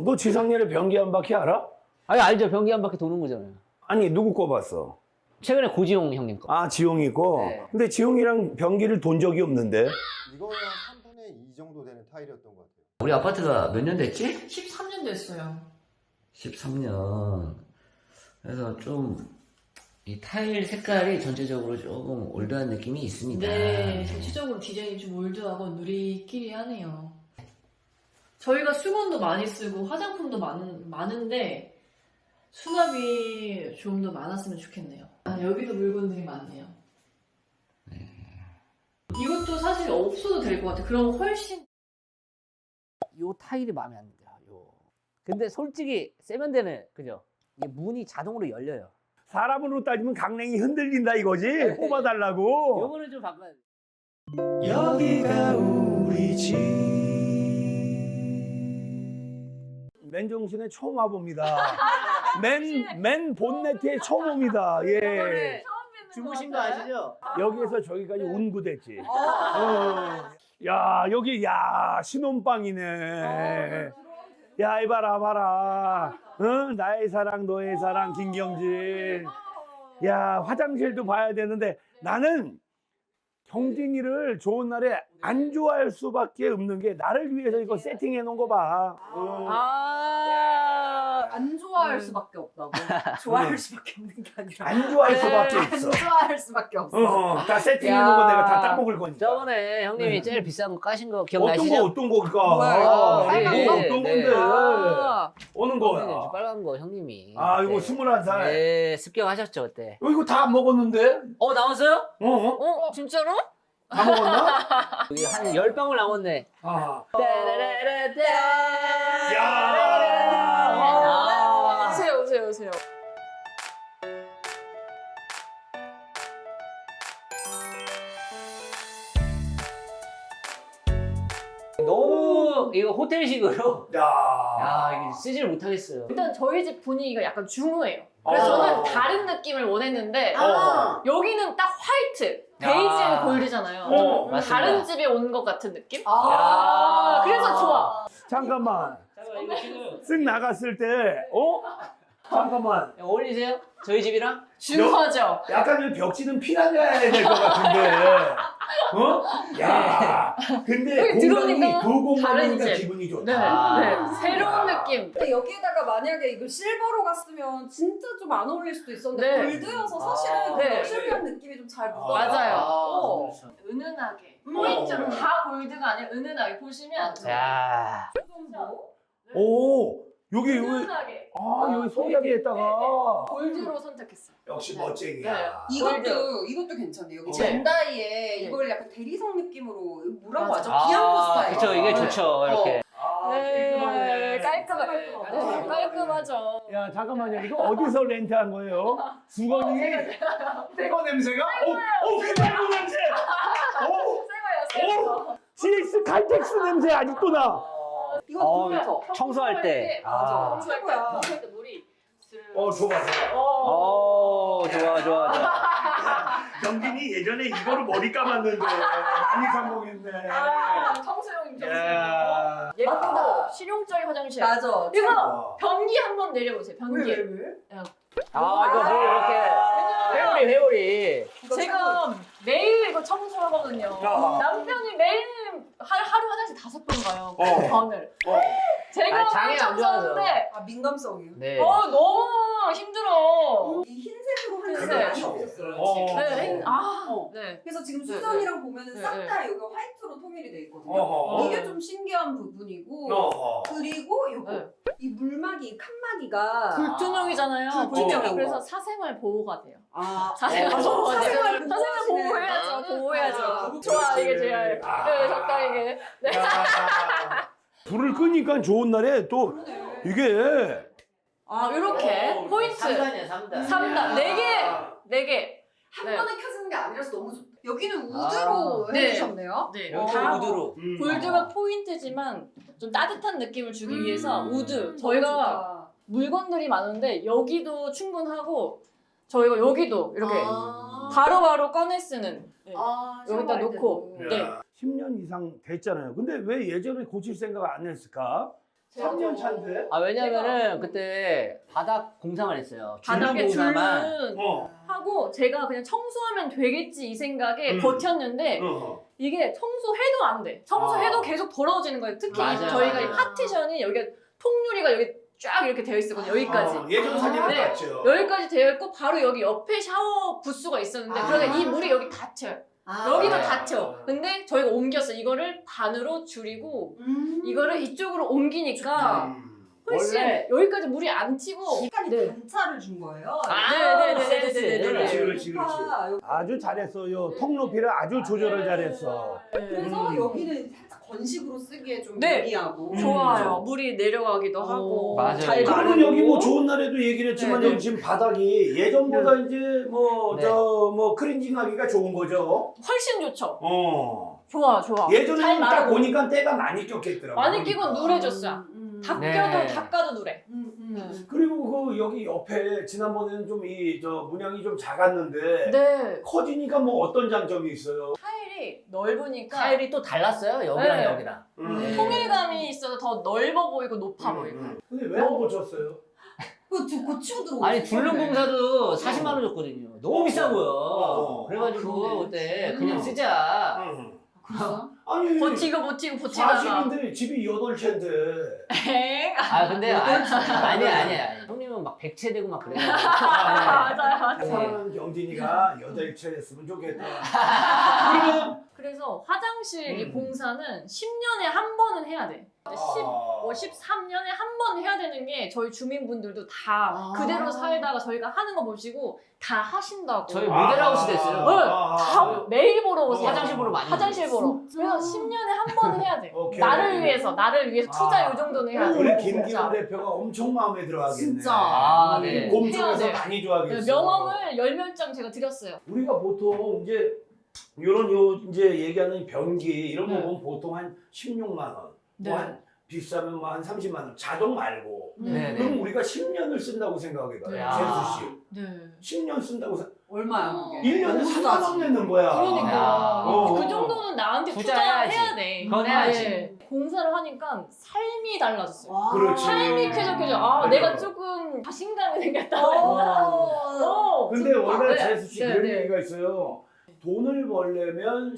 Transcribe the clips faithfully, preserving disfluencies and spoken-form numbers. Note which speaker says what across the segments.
Speaker 1: 너 지상렬의 변기 한 바퀴 알아?
Speaker 2: 아니 알죠. 변기 한 바퀴 도는 거잖아요.
Speaker 1: 아니 누구 거 봤어?
Speaker 2: 최근에 고지용 형님 거.
Speaker 1: 아 지용이 거?
Speaker 2: 네.
Speaker 1: 근데 지용이랑 변기를 돈 적이 없는데?
Speaker 3: 이거는 한 삼분의 이 정도 되는 타일이었던 것 같아요.
Speaker 4: 우리 아파트가 몇 년 됐지?
Speaker 5: 십삼 년 됐어요.
Speaker 4: 십삼 년. 그래서 좀 이 타일 색깔이 전체적으로 조금 올드한 느낌이 있습니다.
Speaker 5: 네, 전체적으로 디자인이 좀 올드하고 누리끼리하네요. 저희가 수건도 많이 쓰고 화장품도 많은, 많은데 수납이 좀 더 많았으면 좋겠네요. 아, 여기도 물건들이 많네요. 이것도 사실 없어도 될 것 같아요. 그럼 훨씬
Speaker 2: 요 타일이 마음에 안 들어요. 요. 근데 솔직히 세면대는 그죠? 이게 문이 자동으로 열려요.
Speaker 1: 사람으로 따지면 강냉이 흔들린다 이거지? 뽑아달라고.
Speaker 2: 요거는 좀 바꿔야 돼.
Speaker 1: 여기가 우리 집. 맨정신에 처음 와봅니다. 맨, 맨 본네트에 처음 옵니다. 예.
Speaker 2: 주무신 거 아시죠?
Speaker 1: 여기에서 저기까지 운구됐지. 어. 야, 여기, 야, 신혼방이네. 야, 이봐라, 봐라. 응? 나의 사랑, 너의 사랑, 김경진. 야, 화장실도 봐야 되는데 나는 경진이를 좋은 날에 안 좋아할 수밖에 없는 게 나를 위해서 이거 세팅해 놓은 거 봐. 어.
Speaker 5: 아,
Speaker 6: 안 좋아할 수밖에 없다고. 좋아할 수밖에 없는 게 아니라.
Speaker 1: 안 좋아할 수밖에
Speaker 6: 안
Speaker 1: 있어.
Speaker 6: 좋아할 수밖에 없어.
Speaker 1: 어, 다 세팅해 놓은 거 내가 다 따먹을 거니까.
Speaker 2: 저번에 형님이
Speaker 1: 네.
Speaker 2: 제일 비싼 거 까신 거
Speaker 1: 어떤
Speaker 2: 기억나시죠?
Speaker 1: 거, 어떤 거일까?
Speaker 6: 뭐야, 이거?
Speaker 1: 아,
Speaker 6: 빨간
Speaker 1: 이거
Speaker 2: 거?
Speaker 1: 어떤
Speaker 2: 네.
Speaker 1: 건데?
Speaker 6: 아,
Speaker 1: 오는
Speaker 2: 네,
Speaker 1: 거야.
Speaker 2: 저 빨간 거 형님이.
Speaker 1: 아, 이거
Speaker 2: 네.
Speaker 1: 스물한 살.
Speaker 2: 네, 습격하셨죠 그때.
Speaker 1: 어, 이거 다 먹었는데?
Speaker 2: 어 나왔어요?
Speaker 1: 어? 어?
Speaker 5: 어, 진짜로?
Speaker 1: 다 먹었나?
Speaker 2: 여기 한 열 방울 남았네.
Speaker 1: 아.
Speaker 2: 야.
Speaker 1: 야.
Speaker 5: 오세요, 오세요, 오세요.
Speaker 2: 너무 이거 호텔식으로.
Speaker 1: 야.
Speaker 2: 야 이게 쓰지를 못하겠어요.
Speaker 5: 일단 저희 집 분위기가 약간 중후해요. 그래서
Speaker 1: 어.
Speaker 5: 저는 다른 느낌을 원했는데
Speaker 1: 어.
Speaker 5: 여기는 딱 화이트, 베이지 앤 골드잖아요.
Speaker 1: 어,
Speaker 5: 좀
Speaker 2: 맞습니다.
Speaker 5: 다른 집에 온 것 같은 느낌?
Speaker 6: 아,
Speaker 5: 그래서 좋아.
Speaker 1: 잠깐만.
Speaker 2: 잠깐만 이거 지금
Speaker 1: 쓱 나갔을 때, 어? 잠깐만.
Speaker 2: 어울리세요? 저희 집이랑?
Speaker 5: 중후하죠?
Speaker 1: 약간 이 벽지는 피라냐야 될 것 같은데. 어? 야. 근데
Speaker 5: 여기
Speaker 1: 공간이
Speaker 5: 들어오니까
Speaker 1: 그 공간이니까
Speaker 5: 다른 집.
Speaker 1: 기분이 좋다.
Speaker 5: 네,
Speaker 2: 아.
Speaker 5: 네. 새로운 느낌.
Speaker 6: 근데 여기에다가 만약에 이거 실버로 갔으면 진짜 좀 안 어울릴 수도 있었는데
Speaker 5: 네.
Speaker 6: 골드여서 사실은
Speaker 2: 아.
Speaker 6: 그
Speaker 5: 네.
Speaker 6: 럭셔리한 느낌이 좀 잘 묻어.
Speaker 5: 맞아요.
Speaker 6: 어.
Speaker 5: 은은하게.
Speaker 6: 음.
Speaker 5: 포인트는 다 골드가 아니라 은은하게 보시면
Speaker 2: 야.
Speaker 1: 오, 여기, 여기.
Speaker 5: 은은하게
Speaker 1: 아, 여기 손잡이에다가.
Speaker 5: 골드로 선택했어요.
Speaker 1: 역시
Speaker 5: 네.
Speaker 1: 멋쟁이야.
Speaker 6: 이것도 이것도 괜찮네요. 여기
Speaker 5: 네.
Speaker 6: 젠다이에
Speaker 5: 네.
Speaker 6: 이걸 약간 대리석 느낌으로 뭐라고
Speaker 5: 맞아.
Speaker 6: 하죠? 비앙코 스타일.
Speaker 2: 그쵸 이게
Speaker 6: 네.
Speaker 2: 좋죠 이렇게.
Speaker 1: 아,
Speaker 5: 네,
Speaker 1: 깔끔하네.
Speaker 5: 깔끔하,
Speaker 6: 깔끔하다.
Speaker 5: 네, 깔끔하죠.
Speaker 1: 야, 잠깐만요. 이거 어디서 렌트한 거예요? 수건이 새거 냄새가? 어, 어, 그 새거 냄새! 어,
Speaker 5: 새거예요, 새거.
Speaker 1: 어, 지엑스 칼텍스 냄새 아직도 나.
Speaker 6: 이거
Speaker 2: 어,
Speaker 6: 좋죠?
Speaker 2: 청소할 때.
Speaker 6: 맞아.
Speaker 5: 청소할 때,
Speaker 6: 최고야.
Speaker 5: 청소할 때 물이.
Speaker 1: 어, 좋아, 좋아.
Speaker 5: 어.
Speaker 2: 오 좋아 좋아 좋아.
Speaker 1: 경진이 예전에 이거로 머리 감았는데 많이 성공했네.
Speaker 5: 아, 청소용 청소.
Speaker 1: 야.
Speaker 5: 예쁘고 실용적인 화장실.
Speaker 6: 맞아.
Speaker 5: 이거
Speaker 6: 최고.
Speaker 5: 변기 한번 내려보세요. 변기.
Speaker 6: 왜, 왜, 왜?
Speaker 2: 아 이거 뭐 이렇게 회오리 회오리.
Speaker 6: 이거
Speaker 5: 제가 매일 이거 청소하거든요.
Speaker 1: 야.
Speaker 5: 남편이 매일 하, 하루 화장실 다섯 번 가요. 그
Speaker 1: 어.
Speaker 5: 번을.
Speaker 1: 어.
Speaker 5: 제가
Speaker 2: 아, 장애 안 좋아서.
Speaker 5: 청소하는데
Speaker 6: 아, 민감성이요?
Speaker 2: 네.
Speaker 5: 어 너무 힘들어.
Speaker 6: 이 흰색으로 한
Speaker 5: 흰색.
Speaker 6: 색이 많이 없었어요.
Speaker 1: 어.
Speaker 5: 네, 아,
Speaker 6: 어.
Speaker 5: 네.
Speaker 6: 그래서 지금
Speaker 5: 네,
Speaker 6: 수전이랑 보면은
Speaker 5: 네,
Speaker 6: 싹
Speaker 5: 네.
Speaker 6: 다 여기 화이트로 통일이 돼 있거든요.
Speaker 1: 어허.
Speaker 6: 이게 좀 신기한 부분이고
Speaker 1: 어허.
Speaker 6: 그리고 요거
Speaker 5: 네.
Speaker 6: 이 물막이 칸막이가
Speaker 5: 불투명이잖아요.
Speaker 6: 불투명한
Speaker 5: 그래서
Speaker 6: 거.
Speaker 5: 사생활 보호가 돼요.
Speaker 6: 아,
Speaker 5: 사생활
Speaker 6: 어,
Speaker 5: 보호가 돼요.
Speaker 6: 사생활
Speaker 5: 사생활 보호해야죠. 보호해야죠.
Speaker 6: 아,
Speaker 5: 좋아 이게 제일.
Speaker 1: 아.
Speaker 5: 네, 적당히게. 네.
Speaker 1: 야. 불을 끄니까 좋은 날에 또 이게
Speaker 6: 아,
Speaker 5: 이렇게
Speaker 1: 어,
Speaker 5: 포인트
Speaker 2: 삼단이야 삼단.
Speaker 5: 삼 단 네 개, 네 개.
Speaker 6: 한
Speaker 5: 네.
Speaker 6: 번에 켜지는 게 아니라서 너무 좋다. 여기는
Speaker 2: 아.
Speaker 6: 우드로
Speaker 5: 네.
Speaker 6: 해주셨네요.
Speaker 5: 네.
Speaker 2: 여기
Speaker 5: 다
Speaker 2: 우드로.
Speaker 1: 음.
Speaker 5: 골드가 포인트지만 좀 따뜻한 느낌을 주기
Speaker 6: 음.
Speaker 5: 위해서 우드.
Speaker 6: 너무
Speaker 5: 저희가
Speaker 6: 좋다.
Speaker 5: 물건들이 많은데 여기도 충분하고 저희가 여기도 이렇게
Speaker 6: 아.
Speaker 5: 바로바로 꺼내 쓰는. 네.
Speaker 6: 아,
Speaker 5: 여기다
Speaker 6: 샤워할
Speaker 5: 놓고.
Speaker 6: 때도.
Speaker 5: 네.
Speaker 1: 야, 십 년 이상 됐잖아요. 근데 왜 예전에 고칠 생각 안 했을까? 삼 년 차인데?
Speaker 2: 아 왜냐면은 그때 바닥 공사만 했어요.
Speaker 5: 바닥에
Speaker 2: 줄눈 공사만.
Speaker 5: 줄눈
Speaker 1: 어.
Speaker 5: 하고 제가 그냥 청소하면 되겠지 이 생각에
Speaker 1: 음.
Speaker 5: 버텼는데
Speaker 1: 어.
Speaker 5: 이게 청소해도 안 돼. 청소해도
Speaker 1: 아.
Speaker 5: 계속 더러워지는 거예요. 특히
Speaker 2: 맞아요,
Speaker 5: 저희가 이
Speaker 2: 맞아요.
Speaker 5: 파티션이 여기가 통유리가 여기 쫙 이렇게 되어 있었거든요. 여기까지.
Speaker 1: 어, 예전 사진을
Speaker 5: 네.
Speaker 1: 봤죠.
Speaker 5: 여기까지 되어 있고 바로 여기 옆에 샤워 부스가 있었는데
Speaker 6: 아.
Speaker 5: 그러니까 이 물이 여기 닫혀요.
Speaker 6: 아.
Speaker 5: 여기도
Speaker 2: 네.
Speaker 5: 닫혀. 근데 저희가 옮겼어. 이거를 반으로 줄이고
Speaker 6: 음.
Speaker 5: 이거를 이쪽으로 옮기니까
Speaker 1: 음.
Speaker 5: 훨씬
Speaker 2: 원래-
Speaker 5: 여기까지 물이 안 튀고
Speaker 6: 약간
Speaker 5: 네.
Speaker 6: 단차를 준 거예요.
Speaker 2: 아,
Speaker 5: 네네네네네.
Speaker 1: 그렇지, 그렇지, 그렇지.
Speaker 6: 높아, 여기.
Speaker 1: 아주 잘했어요. 통 높이를 아주 조절을 잘했어.
Speaker 6: 그래서
Speaker 1: 음.
Speaker 6: 여기는 살짝 건식으로 쓰기에 좀
Speaker 5: 네.
Speaker 6: 유리하고.
Speaker 1: 음.
Speaker 5: 좋아요. 물이 내려가기도 하고
Speaker 2: 맞아요.
Speaker 5: 잘
Speaker 1: 그러면
Speaker 5: 마르고.
Speaker 1: 여기 뭐 좋은 날에도 얘기를 했지만
Speaker 5: 네, 네.
Speaker 1: 여기 지금 바닥이 예전보다 이제 뭐
Speaker 2: 네.
Speaker 1: 저 뭐 크린징하기가 좋은 거죠.
Speaker 5: 훨씬 좋죠.
Speaker 1: 어.
Speaker 5: 좋아 좋아. 잘
Speaker 1: 예전에는 딱
Speaker 5: 마르고.
Speaker 1: 보니까 때가 많이 꼈겠더라고.
Speaker 5: 많이 끼고 누래졌어요.
Speaker 6: 음, 음.
Speaker 5: 닦여도
Speaker 2: 네.
Speaker 5: 닦아도 누래.
Speaker 6: 음, 음, 음.
Speaker 1: 그리고 그 여기 옆에 지난번에는 좀 이 저 문양이 좀 작았는데
Speaker 5: 네.
Speaker 1: 커지니까 뭐 어떤 장점이 있어요?
Speaker 5: 타일이 넓으니까
Speaker 2: 타일이 또 달랐어요. 여기랑
Speaker 5: 네.
Speaker 2: 여기랑.
Speaker 1: 음.
Speaker 5: 통일감이 있어서 더 넓어 보이고 높아 보이고.
Speaker 1: 음. 근데 왜 안 고쳤어요?
Speaker 6: 그거 주- 고치고 들어오고.
Speaker 2: 아니 줄눈 공사도 사십만 원 줬거든요. 너무
Speaker 1: 어.
Speaker 2: 비싼 거예요.
Speaker 1: 어.
Speaker 2: 그래가지고
Speaker 6: 아, 그러네.
Speaker 2: 그때
Speaker 6: 음.
Speaker 2: 그냥 쓰자.
Speaker 1: 음.
Speaker 6: 그래서?
Speaker 1: 아니
Speaker 5: 버티고 버티고 버티다가.
Speaker 1: 사실인데 집이 여덟 채인데
Speaker 5: 엥?
Speaker 2: 아 근데 아니 아니 아니 아니. 형님은 막 백채 되고 막 그래요.
Speaker 5: 맞아요 맞아요.
Speaker 1: 사랑하는 경진이가 여덟 채 했으면 좋겠다. 그러면
Speaker 5: 그래서 화장실 이
Speaker 1: 음.
Speaker 5: 공사는 십 년에 한 번은 해야 돼. 십,
Speaker 1: 아.
Speaker 5: 뭐 십삼 년에 한 번 해야 되는 게 저희 주민분들도 다
Speaker 6: 아.
Speaker 5: 그대로 살다가 저희가 하는 거 보시고 다 하신다고.
Speaker 2: 저희 모델하우스 됐어요.
Speaker 5: 네,
Speaker 1: 아.
Speaker 5: 다 매일 보러 오세요.
Speaker 2: 화장실 보러 많이
Speaker 5: 화장실 보러.
Speaker 6: 진짜?
Speaker 5: 그래서 십 년에 한 번은 해야 돼.
Speaker 1: 오케이.
Speaker 5: 나를 위해서, 나를 위해서 투자
Speaker 1: 아.
Speaker 5: 요 정도는 해야 돼.
Speaker 1: 우리
Speaker 5: 진짜.
Speaker 1: 김기현 대표가 엄청 마음에 들어하겠네.
Speaker 6: 진짜.
Speaker 2: 아, 네.
Speaker 5: 해야
Speaker 1: 곰쪽에서
Speaker 5: 돼.
Speaker 1: 많이
Speaker 5: 네,
Speaker 1: 좋아하겠어.
Speaker 5: 명함을 열 몇 장 제가 드렸어요.
Speaker 1: 우리가 보통 이제 이런 요 이제 얘기하는 변기 이런 거
Speaker 5: 네.
Speaker 1: 보면 보통 한 십육만 원,
Speaker 5: 네.
Speaker 1: 뭐 한 비싸면 뭐 한 삼십만 원 자동 말고.
Speaker 2: 네,
Speaker 1: 그럼
Speaker 2: 네.
Speaker 1: 우리가 십 년을 쓴다고 생각해봐요.
Speaker 5: 네.
Speaker 1: 재수 씨.
Speaker 5: 네.
Speaker 1: 십 년 쓴다고 생
Speaker 6: 얼마야 그게?
Speaker 1: 일 년에
Speaker 6: 너무
Speaker 1: 삼만 원
Speaker 6: 싸지.
Speaker 1: 내는 거야.
Speaker 5: 그러니까
Speaker 1: 어.
Speaker 5: 그 정도는 나한테
Speaker 2: 투자해야지.
Speaker 5: 투자해야 돼.
Speaker 2: 그건 해야지.
Speaker 5: 네. 공사를 하니까 삶이 달라졌어요.
Speaker 6: 와.
Speaker 1: 그렇지.
Speaker 5: 삶이 쾌적해져. 아,
Speaker 1: 맞아.
Speaker 5: 내가 조금 자신감이 생겼다.
Speaker 6: 어.
Speaker 5: 어,
Speaker 1: 근데
Speaker 5: 진짜.
Speaker 1: 원래
Speaker 5: 네.
Speaker 1: 재수 씨
Speaker 5: 네,
Speaker 1: 그런
Speaker 5: 네.
Speaker 1: 얘기가 있어요. 돈을 벌려면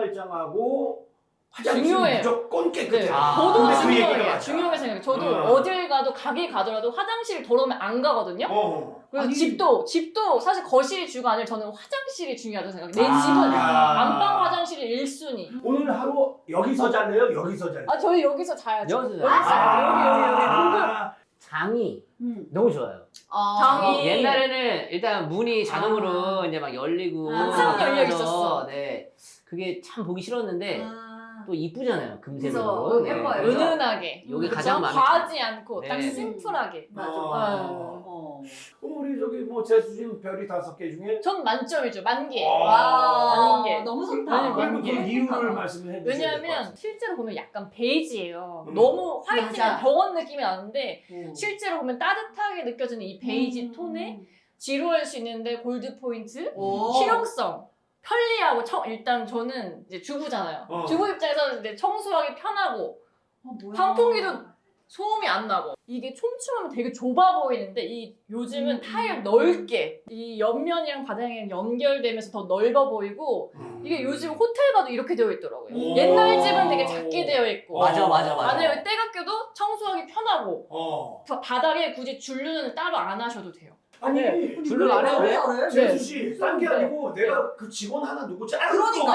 Speaker 1: 신발장하고 화장실
Speaker 5: 중요해요.
Speaker 1: 무조건 깨끗해.
Speaker 5: 네.
Speaker 2: 아.
Speaker 5: 저도
Speaker 1: 근데 그 얘기가
Speaker 5: 중요해요.
Speaker 1: 맞아.
Speaker 5: 중요하게 생각해요. 저도
Speaker 1: 어.
Speaker 5: 어딜 가도 가게 가더라도 화장실 더러우면 안 가거든요.
Speaker 1: 어.
Speaker 5: 그리고
Speaker 6: 아니.
Speaker 5: 집도 집도 사실 거실이 주가 아니라 저는 화장실이 중요하다고 생각해요. 내
Speaker 2: 아.
Speaker 5: 집은
Speaker 1: 아.
Speaker 5: 안방 화장실이 일 순위.
Speaker 1: 오늘 하루 여기서 잘래요? 여기서 잘래요?
Speaker 5: 아 저희 여기서 자야죠.
Speaker 2: 여기서
Speaker 5: 여기서
Speaker 2: 자요.
Speaker 5: 자요. 여기 여기 여기.
Speaker 1: 아.
Speaker 2: 장이
Speaker 6: 음.
Speaker 2: 너무 좋아요.
Speaker 6: 아.
Speaker 5: 장이-
Speaker 2: 옛날에는 일단 문이 자동으로
Speaker 6: 아.
Speaker 2: 이제 막 열리고
Speaker 6: 항상
Speaker 5: 열려
Speaker 2: 하면서
Speaker 5: 있었어.
Speaker 2: 네. 그게 참 보기 싫었는데
Speaker 6: 아.
Speaker 2: 또 이쁘잖아요. 금색으로.
Speaker 6: 그래서
Speaker 2: 네.
Speaker 6: 예뻐요.
Speaker 2: 그래서
Speaker 5: 은은하게.
Speaker 2: 여기
Speaker 5: 그쵸?
Speaker 2: 가장 마음에
Speaker 5: 과하지 않고
Speaker 2: 네.
Speaker 5: 딱 심플하게.
Speaker 6: 맞아.
Speaker 1: 어.
Speaker 6: 어.
Speaker 1: 그럼 우리 저기 뭐 재수진 별이 다섯 개 중에
Speaker 5: 전 만점이죠. 만개.
Speaker 1: 와.
Speaker 5: 만개.
Speaker 6: 너무 좋다.
Speaker 5: 네,
Speaker 1: 그리고 그
Speaker 5: 이게
Speaker 1: 이유를 말씀해 주세요.
Speaker 5: 왜냐하면 실제로 보면 약간 베이지예요.
Speaker 1: 음.
Speaker 5: 너무 화이트한
Speaker 6: 맞아.
Speaker 5: 병원 느낌이 나는데
Speaker 6: 어.
Speaker 5: 실제로 보면 따뜻하게 느껴지는 이 베이지
Speaker 6: 음.
Speaker 5: 톤에 지루할 수 있는데 골드 포인트,
Speaker 6: 오.
Speaker 5: 실용성, 편리하고 청- 일단 저는 이제 주부잖아요.
Speaker 1: 어.
Speaker 5: 주부 입장에서 이제 청소하기 편하고
Speaker 6: 어, 뭐야.
Speaker 5: 환풍기도 소음이 안 나고 이게 촘촘하면 되게 좁아 보이는데 이 요즘은
Speaker 6: 음.
Speaker 5: 타일 넓게 이 옆면이랑 바닥이랑 연결되면서 더 넓어 보이고
Speaker 1: 음.
Speaker 5: 이게 요즘 호텔 가도 이렇게 되어 있더라고요.
Speaker 1: 오.
Speaker 5: 옛날 집은 되게 작게 되어 있고
Speaker 2: 맞아, 맞아, 맞아.
Speaker 5: 안에 여기 때가 껴도 청소하기 편하고
Speaker 1: 어.
Speaker 5: 바- 바닥에 굳이 줄눈을 따로 안 하셔도 돼요.
Speaker 1: 아니
Speaker 5: 네.
Speaker 2: 줄을 안 해도 돼?
Speaker 6: 잘해?
Speaker 1: 재수 씨, 딴 게
Speaker 5: 네.
Speaker 1: 아니고 내가 그 직원 하나 누구 자르고
Speaker 6: 그러니까.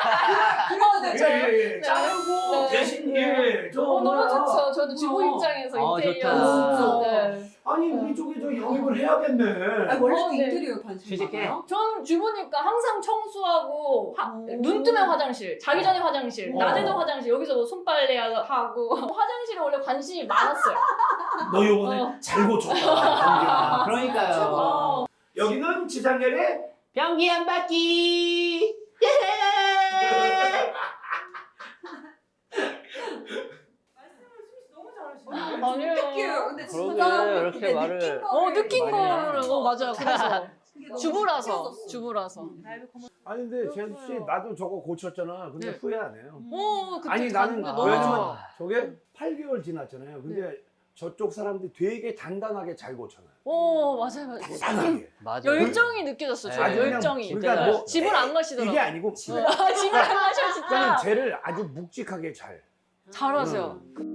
Speaker 6: 그래도 돼.
Speaker 5: 저요?
Speaker 1: 예, 예,
Speaker 5: 네.
Speaker 1: 자르고
Speaker 5: 네.
Speaker 1: 대신
Speaker 5: 네.
Speaker 1: 예, 저
Speaker 5: 어, 너무
Speaker 1: 뭐야.
Speaker 5: 좋죠. 저도 주부
Speaker 6: 어.
Speaker 5: 입장에서
Speaker 2: 아,
Speaker 5: 인테리어
Speaker 2: 좋다.
Speaker 5: 진짜. 네.
Speaker 1: 아니 우리 쪽에 저 영입을 해야겠네.
Speaker 6: 아니, 원래
Speaker 5: 어, 네.
Speaker 6: 인테리어 관심
Speaker 2: 취직해.
Speaker 6: 많아요?
Speaker 5: 전 주부니까 항상 청소하고 하-
Speaker 6: 오.
Speaker 5: 눈 뜨면 화장실, 자기 전에 화장실,
Speaker 1: 어.
Speaker 5: 낮에도 화장실, 여기서 뭐 손빨래 하고 화장실에 원래 관심이 많았어요.
Speaker 1: 너 요번에
Speaker 5: 어.
Speaker 1: 잘 고쳤다.
Speaker 2: 아, 그러니까요.
Speaker 5: 어.
Speaker 1: 여기는 지상렬의
Speaker 2: 변기 한 바퀴.
Speaker 5: 아니에요.
Speaker 6: 느껴요. 근데
Speaker 2: 그러게,
Speaker 6: 진짜
Speaker 2: 이렇게
Speaker 6: 근데
Speaker 2: 말을-
Speaker 6: 느낀 거를
Speaker 5: 어 느낀
Speaker 2: 많이
Speaker 5: 거를 어 맞아요. 그래서 주부라서 주부라서.
Speaker 1: 아니 근데 재수 씨 나도 저거 고쳤잖아. 근데
Speaker 5: 네.
Speaker 1: 후회 안 해요.
Speaker 5: 오, 그때
Speaker 1: 아니 나는
Speaker 5: 갔는데 너무
Speaker 1: 왜냐면
Speaker 5: 좋아.
Speaker 1: 저게 팔 개월 지났잖아요. 근데 저쪽 사람들이 되게 단단하게 잘 고쳐놔요.
Speaker 5: 오, 맞아요, 맞아요.
Speaker 1: 단단하게.
Speaker 2: 맞아요.
Speaker 5: 열정이 느껴졌어요. 저
Speaker 2: 아주 그냥
Speaker 5: 열정이.
Speaker 1: 그러니까 뭐
Speaker 5: 집을 안 가시더라고요.
Speaker 1: 이게 아니고
Speaker 5: 아, 집을 안 가셔
Speaker 1: 그러니까
Speaker 5: 진짜.
Speaker 1: 쟤를 아주 묵직하게 잘.
Speaker 5: 잘하세요.
Speaker 1: 음.